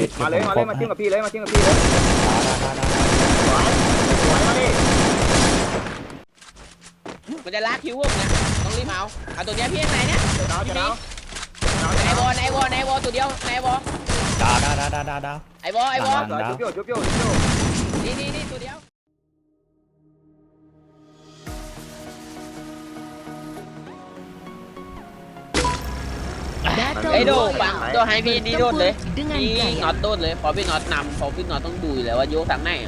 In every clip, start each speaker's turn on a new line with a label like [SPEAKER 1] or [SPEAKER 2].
[SPEAKER 1] มาเลยมาจิ้มกับพี่เลยมาจิ้มกับพี่เลยสวยมาดิ
[SPEAKER 2] มันจะลากคิวพวกนะต้องรีบเอาตัวเนี้ยพี่ยังไงเนี่ย
[SPEAKER 1] เดี๋ยว
[SPEAKER 2] ในวอตัวเดียวในวอ
[SPEAKER 3] ดาว
[SPEAKER 2] ไอวอ
[SPEAKER 1] จุ๊บโย
[SPEAKER 2] นี่ตัวเดียวไอโดปังตัวไฮพีนี่โดดเลยนี่น็อตโดดเลยพอพี่น็อตนำพอพี่น็อตต้องดูอยู่แล้วว่าโยกทางไหนอ่ะ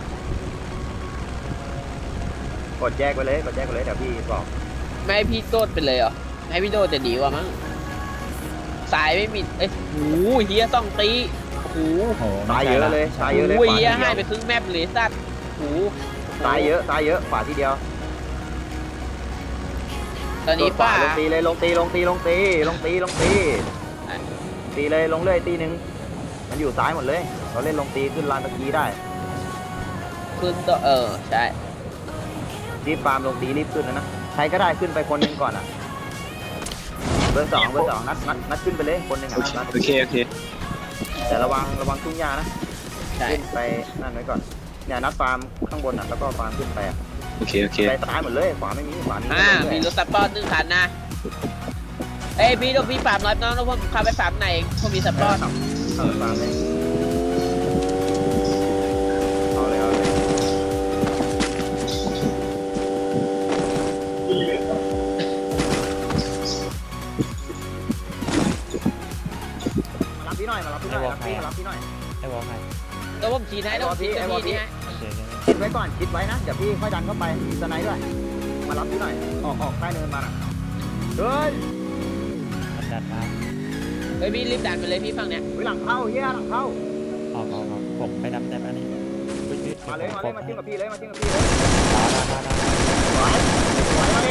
[SPEAKER 1] กดแยกไปเลยเดี๋ยวพี่บอก
[SPEAKER 2] ไม่ให้พี่โดดไปเลยเหรอให้พี่โดดจะดีกว่ามั้งสายไม่มีเอ้ยหูเฮียต้องตีหู
[SPEAKER 1] ตายเยอะเลย
[SPEAKER 2] หูเฮียให้ไปครึ่งแมปเลยสัตว์หู
[SPEAKER 1] ตายเยอะขวาทีเดียว
[SPEAKER 2] ตอนนี้ป้า
[SPEAKER 1] ลงตีเลยลงตีตีเลยลงเรื่อยตีนึงมันอยู่ซ้ายหมดเลยเราเล่นลงตีขึ้นลานตะกี้ได้
[SPEAKER 2] ขึ้นตัวใช่
[SPEAKER 1] รีบฟาร์มลงตีรีบขึ้นนะใครก็ได้ขึ้นไปคนนึงก่อนอ่ะเบอร์สองนัดขึ้นไปเลยคนนึงอ่ะนัด
[SPEAKER 4] โอเค
[SPEAKER 1] แต่ระวังทุ่งหญ้านะ
[SPEAKER 2] ใช่
[SPEAKER 1] ขึ้นไปนั่นไว้ก่อนเนี่ยนัดฟาร์มข้างบนอ่ะแล้วก็ฟาร์มขึ้นไป
[SPEAKER 4] โอเค
[SPEAKER 1] ไปซ้ายหมดเลยขวาไม่มีขวามี
[SPEAKER 2] มีรถสปอร์ต1 คันนะเอ้ยพี่ต้องพี่ฟาร์มน้อยน้องพวกขับไปฟาร์มไหนพวกมีสปอร์ต
[SPEAKER 1] ฟาร์มเลยเอาเลยมารับพี่หน่อย
[SPEAKER 3] ไอ้วอลใคร
[SPEAKER 2] ตัวผมขี่ให้ต้องขี่ตัวพี่นี่ฮะ
[SPEAKER 1] คิดไว้ก่อนคิดไว้นะเดี๋ยวพี่ค่อยดันเข้าไปมีสไนด์ด้วยมารับพี่หน่อยออกใต้เนินมาเฮ้ย
[SPEAKER 3] ดันมา
[SPEAKER 2] เฮ้ยพี่รีบดันไปเลยพี่ฝั่งเนี้ย
[SPEAKER 1] หลังเข้าเฮียหลังเข้า
[SPEAKER 3] ออกผมไปนับแต่อันนี้
[SPEAKER 1] มาเลยมาจิ้มกับพี่เลยสวยมาดิ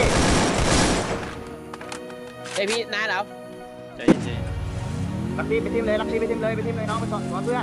[SPEAKER 2] เฮ้ยพี่น้าเรา
[SPEAKER 4] ใจเย็น
[SPEAKER 1] รักพี่ไปจิ้มเลยน้องไปสอนเพื่อน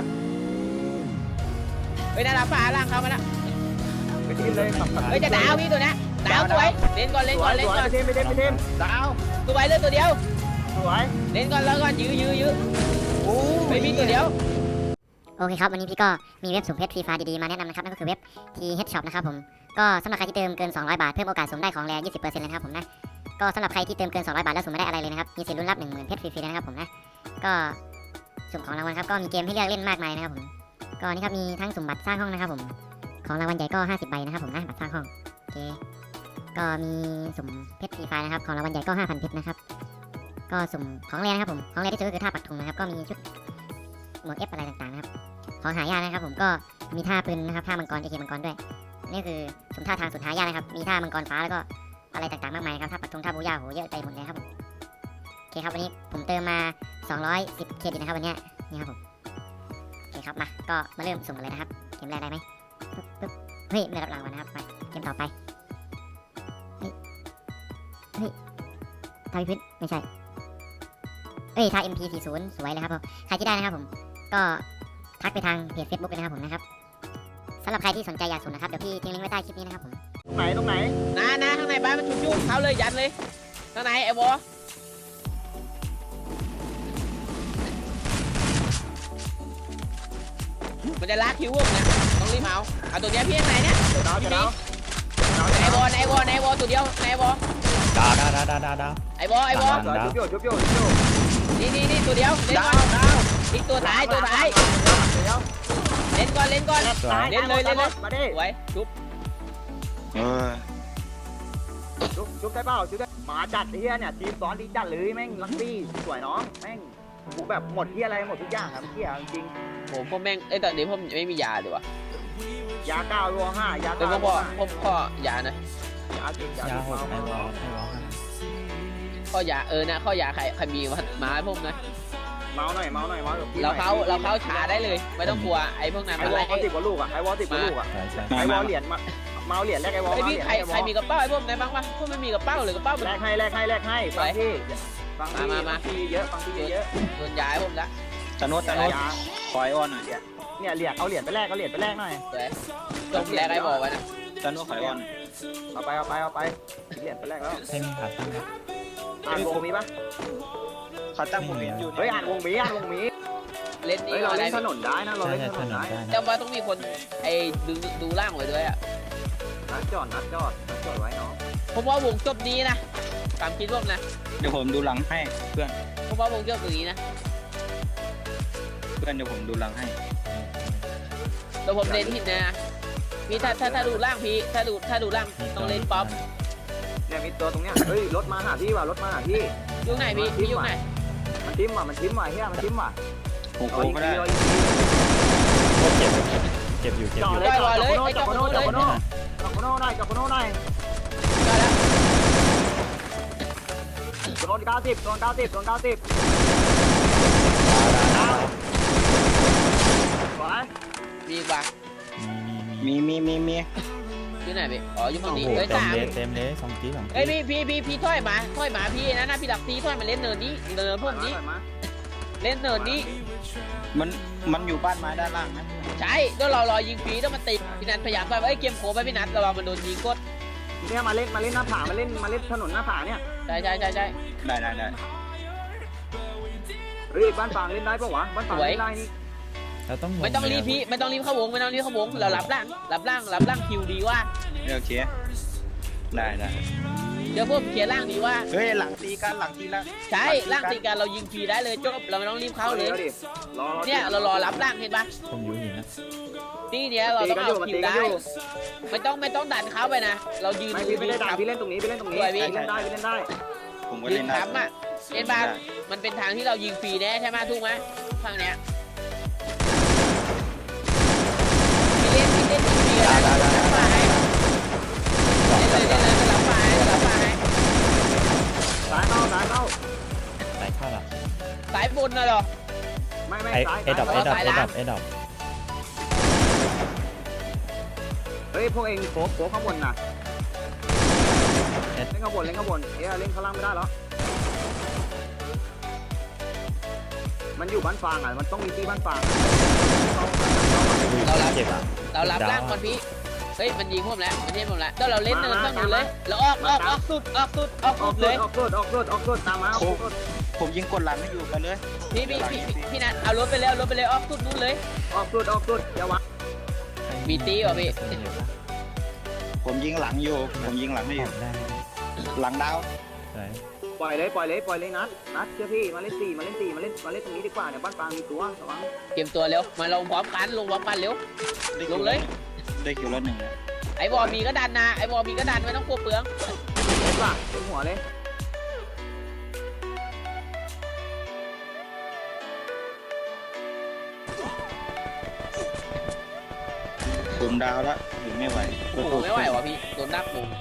[SPEAKER 2] เฮ้ยน้าเราฝ่าล่างเข้ามาแล้ว
[SPEAKER 1] ไปจิ้มเลยขับ
[SPEAKER 2] เฮ้ยจะดาวพี่ตัวเนี้ยดาวสวยเล่นก่อน
[SPEAKER 1] ไปจิ้มดาว
[SPEAKER 2] ตัวไว้เลยตัวเดียว
[SPEAKER 1] สวย
[SPEAKER 2] เล่นก่อนแล้วก่อนยื้อเฮ้ยพี่ตัวเดียว
[SPEAKER 5] โอเคครับวันนี้พี่ก็มีเว็บสุ่มเพชรฟรีไฟล์ดีๆมาแนะนำนะครับนั่นก็คือเว็บ TH Shop นะครับผมก็สำหรับใครที่เติมเกิน200 บาทเพิ่มโอกาสสุ่มได้ของแร 20% เลยนะครับผมนะก็สำหรับใครที่เติมเกิน200 บาทแล้วสุ่มไม่ได้อะไรเลยนะครับมีสิทธิ์ลุ้นรับ 10,000 เพชรฟรีๆเลยนะครับผมนะก็สุ่มของรางวัลครับก็มีเกมให้เลือกเล่นมากมายนะครับผมก็นี่ครับมีทั้งสุ่มบัตรสร้างห้องนะครับผมของรางวัลใหญ่ก็50 ใบนะครับผมนะบัตรสร้างห้องโอเคก็มีสุ่มเพชรฟรีไฟล์นะครับของรางวัลใหญ่ก็ 5,000 เพชรนะครับก็สุ่มของแรนะครับผมของแรที่สุดก็คือท่าปักธงนะครับก็มีชุดหมวก F อะไรต่างๆนะครับของหายากนะครับผมก็มีท่าปืนนะครับท่ามังกร AK มังกรด้วยนี่คือสุ่มท่าทางสุดหายากนะครับมีท่ามังกรฟ้าแล้วก็อะไรต่างๆมากมายครับท่าปักธงท่าบูย่าโหเยอะไปหมดเลยครับผมโอเคครับวันนี้ผมเติมมา210เครดิตนะครับวันนี้นี่ครับผมโอเคครับมาก็มาเริ่มสุ่มกันเลยนะครับเกมแรกได้ไหมปึ๊บเฮ้ยไม่ได้รับรางวัลนะครับไปเกมต่อไปเฮ้ยท่าพิพิธไม่ใช่ท่า MP40 สวยเลยครับผมใครที่ได้นะครับผมก็ทักไปทางเพจ Facebook เลยนะครับผมนะครับสำหรับใครที่สนใจอยากสุ่มนะครับเดี๋ยวพี่ทิ้งลิงก์ไว้ใต้คลิปนี้นะครับผม
[SPEAKER 1] ตรงไหน
[SPEAKER 2] น้าข้างในบ้านมันจุ๊บเขาเลยยัดเลยข้างในไอ้วอมันจะลากคิวพวกนะต้องรีบเอาตัวเนี้ยพี่ยังไงเนี่ยไอ้วอตัวเดียวไอ้วอ
[SPEAKER 3] ดาว
[SPEAKER 2] ไอ้วอ
[SPEAKER 1] จุ๊บโย
[SPEAKER 2] นี่ตัวเดียวเล่นก่อนอีกตัวท้ายเล่นก่อนเล่นเลย
[SPEAKER 1] มาดิ
[SPEAKER 2] ไว้ชุบ
[SPEAKER 1] จุ๊บได้เปล่าจุ๊บได้หมาจัดเฮียเนี่ยทีมซ้อนดีจัดเลยแม่งลักบี้สวยน้องแม่งกูแบบหมดเฮียอะไรหมดทุกอย่างครับเฮียจริง
[SPEAKER 2] ผมพ่อแม่งตอนนี้ผมไม่มียาดีวะ
[SPEAKER 1] ยา9รัว5ยา
[SPEAKER 2] เป็น
[SPEAKER 1] 9
[SPEAKER 2] พ่อยานะ
[SPEAKER 1] ยาจริง
[SPEAKER 3] ยาหกไอ้วอล
[SPEAKER 2] ข้อยานะข้อยาใครมีมาให้ผมนะ
[SPEAKER 1] เมาหน่อยกับพี่
[SPEAKER 2] เราเข้าช้าได้เลยไม่ต้องกลัวไอ้พวกนั้น
[SPEAKER 1] ไอ้วอล10 กว่าลูกอ่ะไอ้วอล10 กว่าลูกอ่ะไอ้วอลเหรียญเมาเหรียญแรกไอ้วอล
[SPEAKER 2] ไอ้พี่ใครมีกระเป๋าไอ้พวกไหนบ้างวะพวกไม่มีกระเป๋าหรือกระเป๋ามัน
[SPEAKER 1] แลกให้ฟังพี่เยอะ
[SPEAKER 2] โดนย้ายผมละ
[SPEAKER 4] ตะโนดคอยอ้อนหน่อย
[SPEAKER 1] เนี่ยเหรียญเอาเหรียญไปแลกหน่อย
[SPEAKER 2] จบแรกไอ้บอกไว้นะ
[SPEAKER 4] ตะโนดคอยอ้อน
[SPEAKER 1] เอาไปเหรียญไปแลกแล้ว
[SPEAKER 3] ให้มีขาตั้งครับ
[SPEAKER 1] อ่านวงมีปะ
[SPEAKER 4] เขาตั้งโมเมนต์อยู่
[SPEAKER 1] เฮ้ยอ่านวงมี
[SPEAKER 2] เล่นนี่
[SPEAKER 1] เฮ้ย
[SPEAKER 2] ก่
[SPEAKER 1] เรา
[SPEAKER 2] อน
[SPEAKER 1] เล่
[SPEAKER 2] ได้
[SPEAKER 1] นถนนได้นะเรา
[SPEAKER 3] ใช่
[SPEAKER 1] เล่น
[SPEAKER 3] ใช่
[SPEAKER 1] ถ
[SPEAKER 3] ถ
[SPEAKER 1] น
[SPEAKER 3] น
[SPEAKER 1] น
[SPEAKER 3] น
[SPEAKER 1] ได้
[SPEAKER 3] ได้นะ
[SPEAKER 2] จำว่าต้องมีคนไอ้ดูล่างไว้ด้วยอ่ะ
[SPEAKER 1] นัดจอดไว้เนาะ
[SPEAKER 2] ผมว่าวงจบนี้นะตามคิดว่านะ
[SPEAKER 4] เดี๋ยวผมดูหลังให้เพื่อน
[SPEAKER 2] ผมว่าวงจบตรงนี้นะ
[SPEAKER 4] เพื่อนเดี๋ยวผมดูหลังให้
[SPEAKER 2] แต่ผมเล่นผิดนะพี่ถ้าดูล่างพี่ถ้าดูล่างต้องเล่นป๊อป
[SPEAKER 1] เนี่ยมีตัวตรงเนี้ยเฮ้ยรถมาหาพี่ว่ะรถมาหาพี่
[SPEAKER 2] ยุคไหนพี่ยุคไหน
[SPEAKER 1] มันทิ้มว่ะเฮียมันทิ้มว่ะ
[SPEAKER 4] ผมโค้งก็ได้
[SPEAKER 1] รอยิง
[SPEAKER 3] โคตรเจ็บอยู่เจ็บ
[SPEAKER 1] จอ
[SPEAKER 3] อ
[SPEAKER 1] ด
[SPEAKER 3] ยู่
[SPEAKER 1] เลยจอดโคโน่ได้จอดโคโน่ได้โดน90ดาวสวย
[SPEAKER 2] มีกว่า
[SPEAKER 3] มี
[SPEAKER 4] มี
[SPEAKER 2] ยุคไหนพี่อ๋อยุคฝั่งนี้
[SPEAKER 3] โอ้โห
[SPEAKER 2] เอ้ย
[SPEAKER 3] เต็ม
[SPEAKER 2] สาม
[SPEAKER 3] เลยเต็มเลยสองที
[SPEAKER 2] เอ้ยพี่ถอยมาพี่นะพี่หลักตีถอยมาเล่นเนินนี้เนินพวกนี้เล่นเนินนี้
[SPEAKER 4] มันอยู่บ้านไม้ด้านล่างนะ
[SPEAKER 2] ใช่แล้วเรารอยิงฟรีต้องมาติดพี่นัทพยายามไปเอ้ยเกมโคไปพี่นัทระวังมันโดนยิงกด
[SPEAKER 1] เนี่ยมาเล่นหน้าผามาเล่นถนนหน้าผาเนี่ย
[SPEAKER 2] ใช่
[SPEAKER 4] ได้
[SPEAKER 1] เฮ้ยบ้านฟางเล่นได้ปะวะบ้านฟางเล่นได้นี่
[SPEAKER 3] เราต้อง
[SPEAKER 2] ไม่ต้องรีบพี่ไม่ต้องรีบเข้าวงเรารับล่างคิวดีว่า
[SPEAKER 4] เดี๋ยวเคลียร์ได้
[SPEAKER 2] เดี๋ยวพวกเคลียร์ล่างดีว่า
[SPEAKER 4] เฮ้ยหลังตีกันหลังตีแล้ว
[SPEAKER 2] ใช่ล่างตีกันเรายิงฟรีได้เลยจบเราไม่ต้องรีบเข้าเลย
[SPEAKER 1] รอ
[SPEAKER 2] เนี่ยเรารอรับล่างเห็นปะ
[SPEAKER 3] ผมอยู่หินนะ
[SPEAKER 2] นี่เนี่ยเราต้องเอาคิวได้ไม่ต้องดันเขาไปนะ เรายืน
[SPEAKER 1] ไม่ได้ดังพี่เล่นตรงนี้พี่เล่นได้
[SPEAKER 4] ผมก็
[SPEAKER 2] ยื
[SPEAKER 4] เล่
[SPEAKER 2] น
[SPEAKER 4] นได้
[SPEAKER 2] ค้ำอ่ะเห็นปะมันเป็นทางที่เรายิงฟรีแน่ใช่ไหมถูกไหมทางเนี้ยพี่เล่นยิงฟรีนะรับมาให้เล่นเลยรับมาให้
[SPEAKER 1] สายเข้า
[SPEAKER 3] สายเข้าละ
[SPEAKER 2] สายบนน่ะหรอ
[SPEAKER 1] ไม่
[SPEAKER 3] ไอ้เอดับ
[SPEAKER 1] เฮ้ยพวกเองโผล่ข้างบนน่ะเล่นข้างบนเล่นข้างล่างไม่ได้หรอมันอยู่บ้านฟางอ่ะมันต้องมีที่บ้านฟาง
[SPEAKER 3] เจ็บอ่ะ
[SPEAKER 2] เรารับล่างก่อนพี่เฮ้ยมันยิงผมแล้วมันยิงผมแล้วแล้วเราเล่นเนินต้องอยู่เลยแล้วออกสุดเลย
[SPEAKER 1] ออกรถตามมา
[SPEAKER 4] ผมยิงกดหลังให้อยู่ไปเลย
[SPEAKER 2] พี่นัทเอารถไปเลยออกสุดนู้นเลย
[SPEAKER 1] ออกรถอย่าวะ
[SPEAKER 2] มีตีเหรอพี่
[SPEAKER 4] ผมยิงหลังให้อยู่
[SPEAKER 3] ได้
[SPEAKER 4] หลังดาว
[SPEAKER 3] สวย
[SPEAKER 1] ปล่อยเลยนัดเชื่อพี่มาเล่นตรงนี้ดีกว่าเนี่ยบ้านฟางมีตัวระวัง
[SPEAKER 2] เก็บตัวเร็วมาลงพร้อมกันเร็วลงเลย
[SPEAKER 4] ได้คิวละหนึ่ง
[SPEAKER 2] ไอ้บอมีก็ดันนะไม่ต้องกลัวเปลือง
[SPEAKER 1] เห็นป่ะเต็มหัวเลย
[SPEAKER 4] ผมดาวแล้วถึงไม่ไหว
[SPEAKER 2] โอ้โหไม่ไหวว่ะพี่โดนดักมุม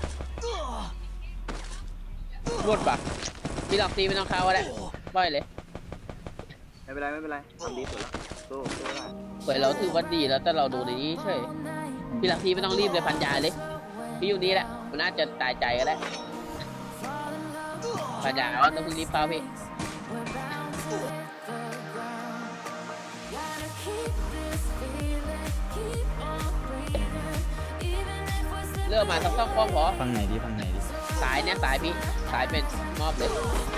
[SPEAKER 2] รวดปะพี่หลอกตีไม่ต้องเข้าก็ได้ปล่อยเลย
[SPEAKER 1] ไม่เป็นไรทำดีสุดแล้วสู้ได้
[SPEAKER 2] เปิดเราถือว่าดีแล้วแต่เราดูในนี้เฉยพี่หลักทีไม่ต้องรีบเลยพันยาเลยพี่อยู่นี่แหละมันน่าจะตายใจก็ได้พันยาเราต้องรีบเฝ้าพี่เริ่มมาต้องคล้องพอ
[SPEAKER 3] ฟังไหนดี
[SPEAKER 2] สายเนี่ยสายพี่สายเป็นมอบเลย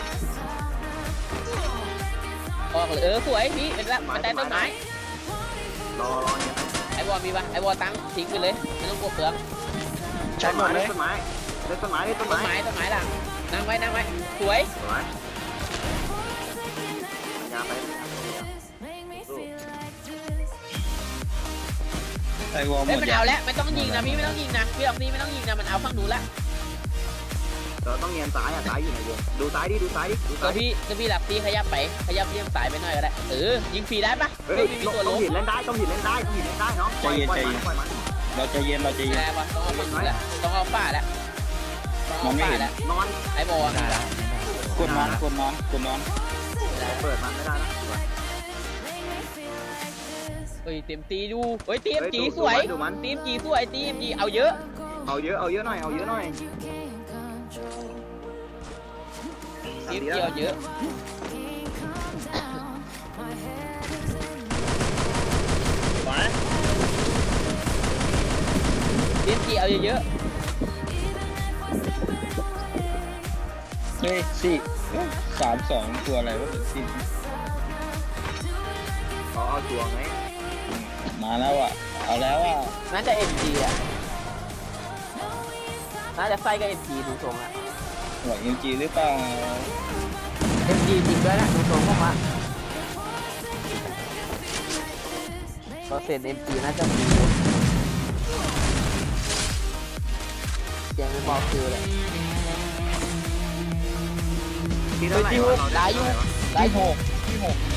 [SPEAKER 2] ออกเลยสวยพี่เป็นละมันแต่ต้นไม้
[SPEAKER 1] รอเนี่ย
[SPEAKER 2] ไอ้บอลมีปะไอ้บอลตั้งทิ้งไปเลยไม่ต้องกลัวเปลือง
[SPEAKER 4] ใช้หมดเลย
[SPEAKER 1] ต้นไม้หลังนั่งไว้
[SPEAKER 2] สวย
[SPEAKER 1] ยาไป
[SPEAKER 4] ไอ้วอลหม
[SPEAKER 2] เฮ้ย
[SPEAKER 4] ด
[SPEAKER 2] มัน
[SPEAKER 4] ยา
[SPEAKER 2] เอาแล้วไม่ต้องยิงนะพี่ไม่ต้องยิงนะพี่ออกนี้ไม่ต้องยิงนะมันเอาฝั่งหนูละ
[SPEAKER 1] เราต้องเงียนซ้ายอยู่ไหนวงดูซ้ายดิ
[SPEAKER 2] ตัวพี่หลับตีขยับเลี่ยงสายไปหน่อยก็ได้ยิงฟรีได้ปะ
[SPEAKER 1] เฮ้ย
[SPEAKER 2] ไม่มีตัว
[SPEAKER 1] ต้
[SPEAKER 2] ล้
[SPEAKER 1] อง
[SPEAKER 2] ม
[SPEAKER 1] หินเล่นได้เนาะปล่อยมัน
[SPEAKER 4] เราใจเย็น
[SPEAKER 2] ไม่ได้ปะต้องเอาฝั่งหนูแล้วต้องเอาฝ้าแล้วแล้ว
[SPEAKER 1] นอน
[SPEAKER 2] ไอ้บอล
[SPEAKER 3] ได้แล้ว
[SPEAKER 4] กดนอน
[SPEAKER 1] เปิดมันไม่ได้นะ
[SPEAKER 2] เฮ้ยเต็มตีดูเฮ้ยตีมจีสวยตีมจีสวยตีมจีเอาเยอะ
[SPEAKER 1] เอาเยอะหน่อย
[SPEAKER 2] ตีมจีเอาเยอะ
[SPEAKER 1] ไป
[SPEAKER 2] ตีมจีเอาเยอะ
[SPEAKER 4] เฮ้ย4-3-2ตัวอะไรวะ4
[SPEAKER 1] เอาชัวร์ไง
[SPEAKER 4] มาแล้วอ่ะเอาแล้วอ่ะ
[SPEAKER 2] น่าจะ MG อ่ะน่าจะไส้ก็ MG ดูทรงอ่ะ
[SPEAKER 4] หวังจริงหรือเปล่า
[SPEAKER 2] MG จริงด้วยนะดูทรงผมว่าเปอร์เซ็นต์ MG น่าจะมียังไม่บอกคือเลย
[SPEAKER 1] ที่เท่าไหร่วะเรา
[SPEAKER 2] ได้อยู่
[SPEAKER 4] ที่หก